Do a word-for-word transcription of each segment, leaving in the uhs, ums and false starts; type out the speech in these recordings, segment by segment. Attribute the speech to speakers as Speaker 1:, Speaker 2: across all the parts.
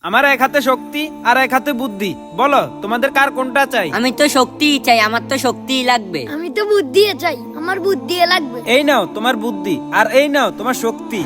Speaker 1: আমার এক হাতে শক্তি আর এক হাতে বুদ্ধি, বলো তোমাদের কার কোনটা চাই?
Speaker 2: আমি তো শক্তিই চাই, আমার তো শক্তিই লাগবে।
Speaker 3: আমি তো বুদ্ধি চাই, আমার বুদ্ধি লাগবে।
Speaker 1: এই নাও তোমার বুদ্ধি আর এই নাও তোমার শক্তি।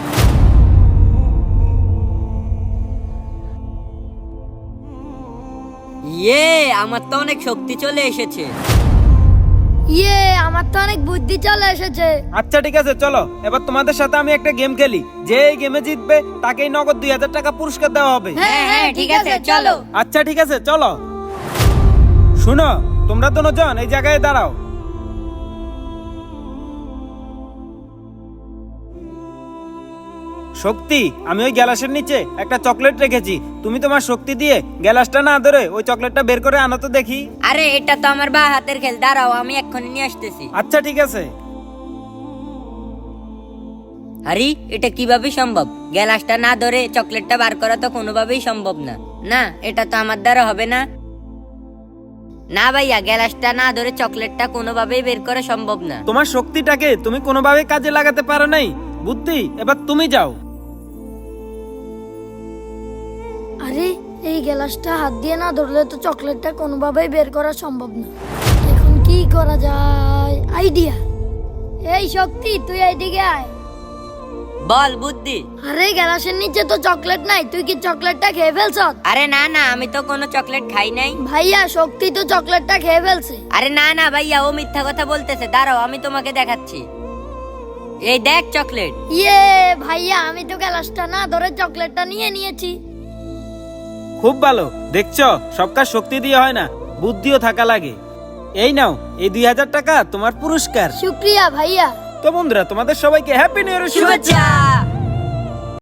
Speaker 2: ইয়ে, আমার তো অনেক শক্তি চলে এসেছে।
Speaker 3: ইয়ে, আমার তো অনেক বুদ্ধি চলে এসেছে।
Speaker 1: আচ্ছা ঠিক আছে, চলো এবার তোমাদের সাথে আমি একটা গেম খেলি। যে এই গেমে জিতবে তাকেই নগদ দুই হাজার টাকা পুরস্কার দেওয়া হবে।
Speaker 3: হ্যাঁ হ্যাঁ ঠিক আছে, চলো।
Speaker 1: আচ্ছা ঠিক আছে চলো। শুনো, তোমরা দুজন এই জায়গায় দাঁড়াও। শক্তি, আমি ওই গ্যালাসের নিচে একটা চকলেট রেখেছি, তুমি তোমার শক্তি দিয়ে গ্যালাসটা না ধরে ওই চকলেটটা বের করে আনো তো দেখি।
Speaker 2: আরে এটা তো আমার বা হাতের খেল, দাঁড়াও আমি এক্ষুনি নিয়ে আসতেছি।
Speaker 1: আচ্ছা ঠিক আছে।
Speaker 2: আরে এটা কিভাবে সম্ভব? গ্যালাসটা না ধরে চকলেটটা বার করা তো কোনোভাবেই সম্ভব না। না, এটা তো আমার দ্বারা হবে না। না ভাইয়া, গ্যালাসটা না ধরে চকলেটটা কোনোভাবেই বের করা সম্ভব না।
Speaker 1: তোমার শক্তিটাকে তুমি কোনোভাবে কাজে লাগাতে পারো নাই। বুদ্ধি, এবার তুমি যাও।
Speaker 3: আরে এই গ্লাসটা হাত দিয়ে না ধরলে তো চকলেটটা কোনোভাবেই বের করা সম্ভব না। এখন কি করা যায়? আইডিয়া। এই শক্তি, তুই এইদিকে আয়।
Speaker 2: বল বুদ্ধি।
Speaker 3: আরে গ্লাসের নিচে তো চকলেট নাই, তুই কি চকলেটটা খেয়ে ফেলছ?
Speaker 2: আরে না না, আমি তো কোনো চকলেট খাই নাই।
Speaker 3: ভাইয়া, শক্তি তো চকলেটটা খেয়ে ফেলছে।
Speaker 2: আরে না না ভাইয়া, ও মিথ্যা কথা বলতেছে। দাঁড়াও আমি তোমাকে দেখাচ্ছি। এই দেখ চকলেট।
Speaker 3: ইয়ে ভাইয়া, আমি তো গ্লাসটা না ধরে চকলেটটা নিয়ে নিয়েছি।
Speaker 1: খুব ভালো, দেখছো সব কাজ শক্তি দিয়ে হয় না, বুদ্ধিও থাকা লাগে। এই নাও এই দুই হাজার টাকা তোমার পুরস্কার।
Speaker 3: শুক্রিয়া ভাইয়া।
Speaker 1: তো বন্ধুরা, তোমাদের সবাইকে হ্যাপি নিউ ইয়ার শুভেচ্ছা।
Speaker 2: শুভেচ্ছা।